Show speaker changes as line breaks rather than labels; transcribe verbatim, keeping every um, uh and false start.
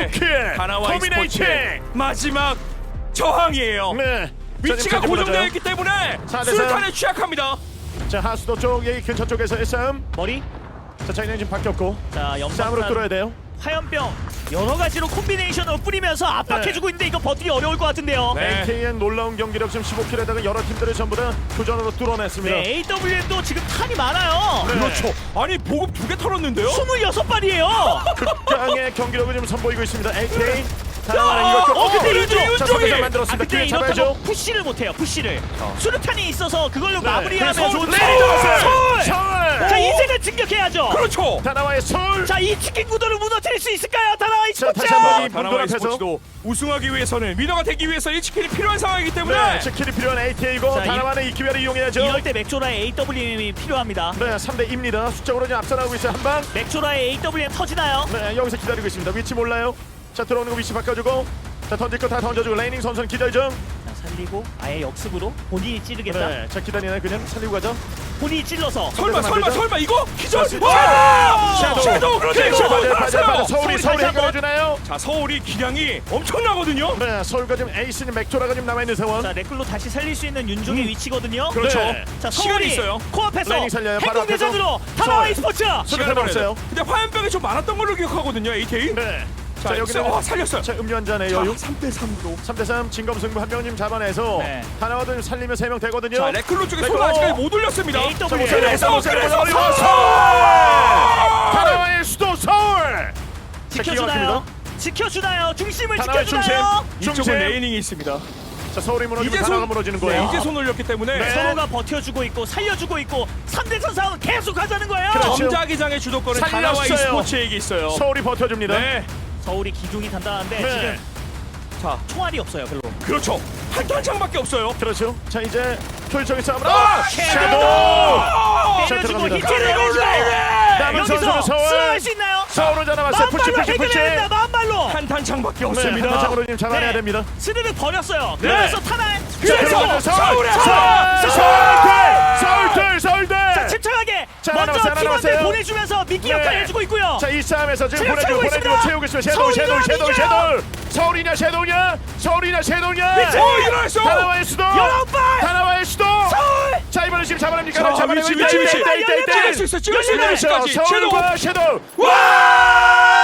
킬.
다나와
코미네이팅.
e스포츠의 마지막 저항이에요.
네.
위치가
자,
고정되어 있기 때문에
사 대
수류탄에 취약합니다.
자, 하수도 쪽 여기 근처 쪽에서의 싸움.
머리.
자, 자기는 지금 바뀌었고
자,
싸움으로 뚫어야
연막탄,
돼요.
화염병 여러 가지로 콤비네이션으로 뿌리면서 압박해주고 있는데 이거 버티기 어려울 것 같은데요.
네.
에이케이엔 놀라운 경기력 지금 십오 킬에다가 여러 팀들을 전부 다 교전으로 뚫어냈습니다.
네, 에이더블유엠도 지금 탄이 많아요.
네.
그렇죠. 아니 보급 두 개 털었는데요.
스물여섯 발이에요.
극강의 경기력을 지금 선보이고 있습니다. 에이케이 다나와는 이것 좀
어, 근데
어,
윤종이!
자, 선에서
아,
만들었습니다.
근데
기회
이렇다고
잡아야죠.
푸시를 못해요. 푸시를. 수류탄이 있어서 그걸로
네.
마무리하면
그래서
좋은데.
서울!
서울!
서울!
자, 이제는 진격해야죠.
그렇죠.
다나와의 서울.
자, 이 치킨 구도를 무너뜨릴 수 있을까요? 다나와
자,
이스포츠.
다시 한번 이
다나와
분들 앞에서
e스포츠도 우승하기 위해서는 위너가 되기 위해서 일 치킨이 필요한 상황이기 때문에
네, 치킨이 필요한 에이케이고
자,
다나와는 이 기회를 이용해야죠.
이럴 때 맥조라의 에이더블유엠이 필요합니다.
네, 삼 대 이입니다. 숫자로 지금 앞서나가고 있어요. 한 방.
맥조라의 에이더블유엠 터지나요?
네, 여기서 기다리고 있습니다. 위치 몰라요. 자, 들어오는 거 위치 바꿔주고. 자, 던질 거 다 던져주고. 레이닝 선수는 기다려 중.
자, 살리고 아예 역습으로 본인이 찌르겠다.
네, 자, 기다리네. 그냥 살리고 가죠.
본인이 찔러서.
설마 설마 설마 이거 기절.
자,
와!
샤도우.
샤도우 그렇지.
샤도우.
샤도우
맞아요, 맞아요, 맞아요.
살았어요.
서울이
서울이
서울이
다시 한번.
해결해주나요?
자 서울이 기량이 엄청나거든요.
네, 서울과 지금 에이스는 맥조라가 지금 남아있는 상황.
자, 레클로 다시 살릴 수 있는 윤종의
음.
위치거든요.
그렇죠.
네.
자,
시간이
서울이
있어요.
코앞에서
레이닝 살려요. 바로
행동대전으로
앞에서.
다나와
서울.
e스포츠.
시간
시간을
남았어요.
벌어야 돼요. 근데 화염병이 좀 많았던 걸로 기억하거든요. 에이케이.
네.
자,
자,
여기서
여기는
어, 살렸어요.
자, 음료 한 잔에
자,
여유.
삼 대 삼으로.
삼 대 삼 진검승부 한 명님 잡아내서
네.
다나와도 좀 살리면 세 명 되거든요.
자 레클로 쪽에
레클로.
손을 아직까지 못 올렸습니다.
에이더블유.
자,
그래서
못 살려,
그래서
못 살려, 못 살려.
서울!
다나와의 수도 서울. 자, 기가
지켜주나요?
막힙니다.
지켜주나요? 중심을
다나와의
지켜주나요?
중심.
이쪽은 레이닝이 있습니다.
자, 서울이 무너지고
이제
다나와가
손
무너지는
네,
거예요.
이제 손 올렸기 때문에
네.
서로가 버텨주고 있고 살려주고 있고 삼 대 삼 상황 계속 가자는 거예요.
그렇죠.
점자기장의 주도권은
살렸어요.
다나와 e스포츠에게 있어요.
서울이 버텨줍니다.
네.
서울이 기둥이 단단한데
네.
지금
자
총알이 없어요 별로.
그렇죠. 한 탄창밖에 없어요.
그렇죠. 자, 이제 효율적인 싸움을.
아,
샤도우.
아!
자,
때려주고
들어갑니다.
히트를 해주고
남은 선수는
여기서
서울.
수호할 수 있나요?
서울은 잡아왔어요. 푸시
마음발로
푸시 푸시.
해결해야 된다. 마음발로.
한 탄창밖에
네,
없습니다.
한 장으로 지금 잡아내야
네.
됩니다.
스르륵 버렸어요.
네.
그러면서 타날.
그래서
서울,
서울에
서울,
서울!
서울대, 서울대, 서울대.
자, 침착하게
자, 하나
먼저
남았어요, 하나
팀원들
남았어요.
보내주면서 미끼
네.
역할 해주고 있고요.
자, 이 싸움에서 지금
체력
보내주고
채우고
보내주고
있습니다.
채우고 있어요. 섀도우, 섀도우, 섀도우,
서울이냐,
섀도우. 서울이냐, 섀도우냐? 서울이냐, 섀도우냐?
위치!
어 일어났어.
다나와의 수도.
열아홉 발!
다나와의 수도.
서울!
자, 이번에 지금 잡아냅니까?
자,
잡아내고
위치,
있다,
위치,
있다,
위치.
있다, 있다, 있다.
찍을 수 있어. 찍을 수 있는
열리네.
위치까지.
서울과
섀도우.
섀도우.
와!